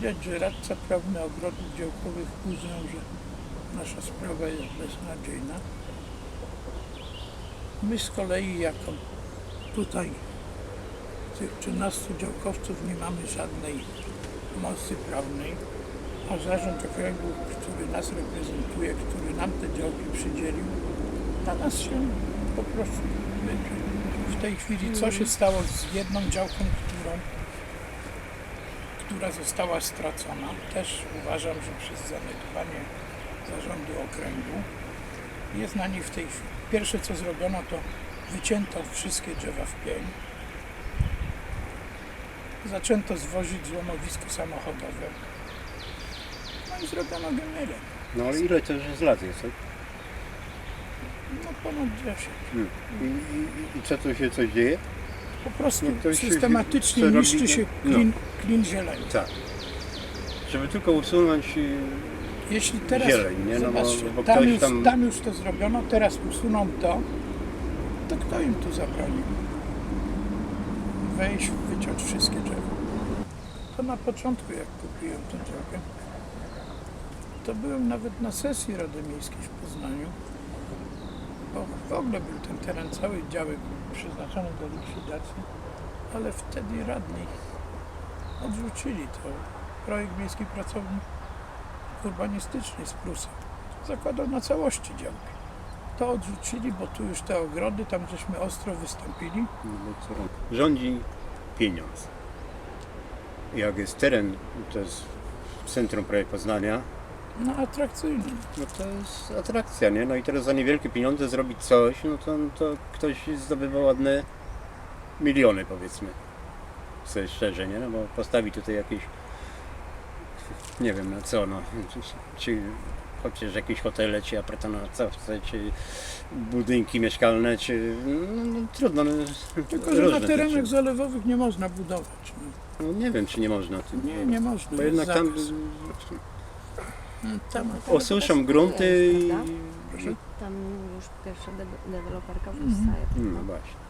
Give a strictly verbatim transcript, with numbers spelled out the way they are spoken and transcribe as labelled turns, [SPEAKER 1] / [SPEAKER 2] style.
[SPEAKER 1] widać, że radca prawny ogrodów działkowych uznał, że nasza sprawa jest beznadziejna. My z kolei jako tutaj tych trzynastu działkowców nie mamy żadnej mocy prawnej, a zarząd okręgu, który nas reprezentuje, który nam te działki przydzielił, na nas się po prostu wypił. W tej chwili co się stało z jedną działką, którą, która została stracona, też uważam, że przez zaniedbanie zarządu okręgu jest na niej w tej chwili. Pierwsze co zrobiono, to wycięto wszystkie drzewa w pień. Zaczęto zwozić złomowisko samochodowe. No i zrobiono geniele.
[SPEAKER 2] No ale ile to już jest lat jest, tak?
[SPEAKER 1] No ponad dziesięć.
[SPEAKER 2] Hmm. I, i, I co tu się coś dzieje?
[SPEAKER 1] Po prostu
[SPEAKER 2] No to się-
[SPEAKER 1] systematycznie
[SPEAKER 2] co
[SPEAKER 1] niszczy
[SPEAKER 2] robi-
[SPEAKER 1] się
[SPEAKER 2] no.
[SPEAKER 1] klin, klin zieleni.
[SPEAKER 2] Tak. Żeby tylko usunąć y,
[SPEAKER 1] Jeśli teraz,
[SPEAKER 2] zieleń, nie? No bo,
[SPEAKER 1] zobaczcie,
[SPEAKER 2] bo
[SPEAKER 1] tam,
[SPEAKER 2] ktoś
[SPEAKER 1] już,
[SPEAKER 2] tam...
[SPEAKER 1] tam już to zrobiono, teraz usuną to, to kto im tu zabroni? Wejść, wyciąć wszystkie drzewa. To na początku, jak kupiłem tę działkę, to byłem nawet na sesji Rady Miejskiej w Poznaniu, bo w ogóle był ten teren, cały działek przeznaczony do likwidacji, ale wtedy radni odrzucili to. Projekt miejski pracownik urbanistyczny z Prusa zakładał na całości działkę. To odrzucili, bo tu już te ogrody, tam żeśmy ostro wystąpili.
[SPEAKER 2] No bo co? Rządzi pieniądz. Jak jest teren, to jest centrum prawie Poznania,
[SPEAKER 1] No atrakcyjny.
[SPEAKER 2] no to jest atrakcja, nie? No i teraz za niewielkie pieniądze zrobić coś, no to, to ktoś zdobywa ładne miliony, powiedzmy. Sobie szczerze, nie? No bo postawi tutaj jakieś, nie wiem na co, no, czy, czy chociaż jakieś hotele, czy apartamentowce, czy budynki mieszkalne, czy, no, no trudno, no,
[SPEAKER 1] Tylko, że
[SPEAKER 2] różne
[SPEAKER 1] na terenach
[SPEAKER 2] rzeczy.
[SPEAKER 1] zalewowych nie można budować. No.
[SPEAKER 2] No nie wiem, czy nie można.
[SPEAKER 1] Nie, nie można.
[SPEAKER 2] Bo
[SPEAKER 1] jest
[SPEAKER 2] jednak tam
[SPEAKER 1] zakaz. tam
[SPEAKER 2] osuszą grunty i...
[SPEAKER 3] Tam już pierwsza de- deweloperka powstaje.
[SPEAKER 2] No właśnie.